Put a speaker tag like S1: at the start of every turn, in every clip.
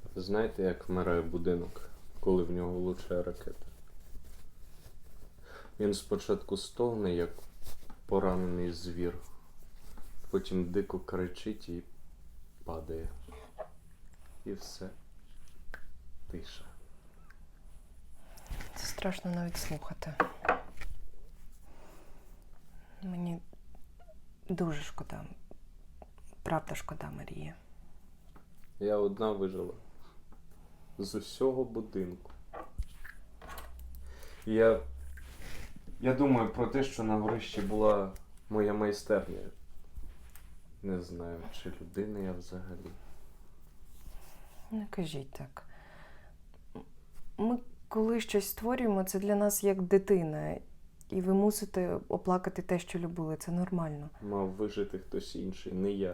S1: Знаєте, як вмирає будинок, коли в нього влучає ракета? Він спочатку стогне, як поранений звір, потім дико кричить і падає. І все. Тиша.
S2: Це страшно навіть слухати. Мені дуже шкода. Правда шкода Марії.
S1: Я одна вижила. З усього будинку. Я думаю про те, що на горищі була моя майстерня. Не знаю, чи людина я взагалі.
S2: Не кажіть так. Ми коли щось створюємо, це для нас як дитина. І ви мусите оплакати те, що любили. Це нормально.
S1: Мав вижити хтось інший, не я.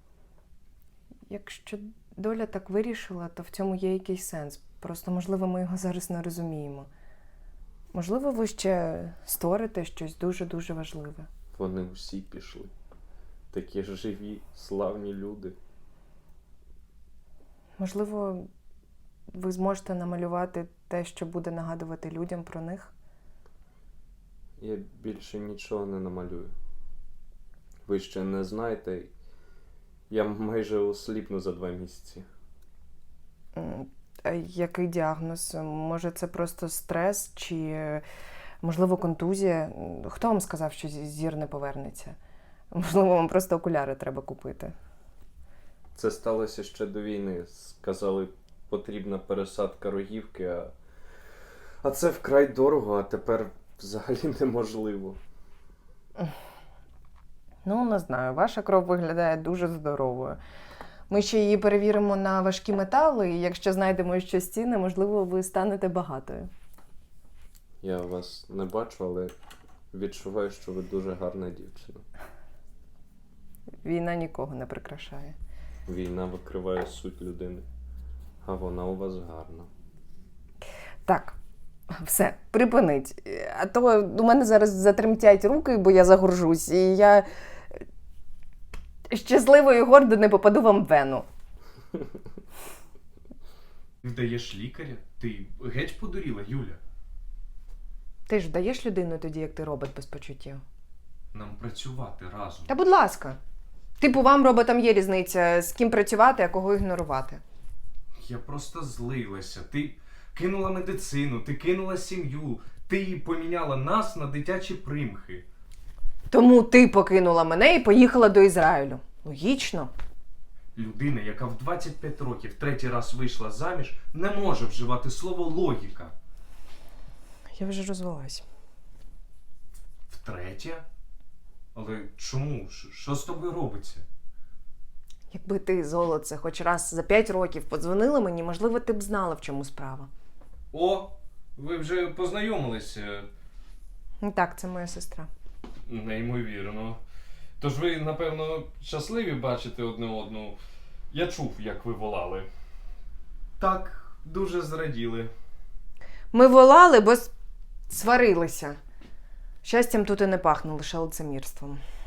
S2: Якщо доля так вирішила, то в цьому є якийсь сенс. Просто, можливо, ми його зараз не розуміємо. Можливо, ви ще створите щось дуже-дуже важливе.
S1: Вони всі пішли. Такі ж живі, славні люди.
S2: Можливо, ви зможете намалювати те, що буде нагадувати людям про них?
S1: Я більше нічого не намалюю. Ви ще не знаєте, я майже осліпну за 2 місяці.
S2: А який діагноз? Може, це просто стрес чи, можливо, контузія? Хто вам сказав, що зір не повернеться? Можливо, вам просто окуляри треба купити.
S1: Це сталося ще до війни. Сказали, потрібна пересадка рогівки, а це вкрай дорого, а тепер взагалі неможливо.
S2: Ну, не знаю, ваша кров виглядає дуже здоровою. Ми ще її перевіримо на важкі метали, і якщо знайдемо щось цінне, можливо, ви станете багатою.
S1: Я вас не бачу, але відчуваю, що ви дуже гарна дівчина.
S2: Війна нікого не прикрашає.
S1: Війна викриває суть людини, а вона у вас гарна.
S2: Так, все, припиніть. А то у мене зараз затремтять руки, бо я загоржусь, і я щасливо і гордо не попаду вам в вену.
S3: Вдаєш лікаря? Ти геть подуріла, Юля?
S2: Ти ж даєш людину тоді, як ти робот без почуттів?
S3: Нам працювати разом.
S2: Та будь ласка. Типу, вам, роботам, є різниця, з ким працювати, а кого ігнорувати.
S3: Я просто злилася. Ти кинула медицину, ти кинула сім'ю, ти поміняла нас на дитячі примхи.
S2: Тому ти покинула мене і поїхала до Ізраїлю. Логічно.
S3: Людина, яка в 25 років 3-й раз вийшла заміж, не може вживати слово логіка.
S2: Я вже розвелась.
S3: Втретє? Але чому? Що з тобою робиться?
S2: Якби ти, золоце, хоч раз за 5 років подзвонила мені, можливо, ти б знала, в чому справа.
S3: О, ви вже познайомилися.
S2: Так, це моя сестра.
S3: Неймовірно. Тож ви, напевно, щасливі бачити одне одну. Я чув, як ви волали. Так, дуже зраділи.
S2: Ми волали, бо сварилися. Щастям тут і не пахне, лише лицемірством.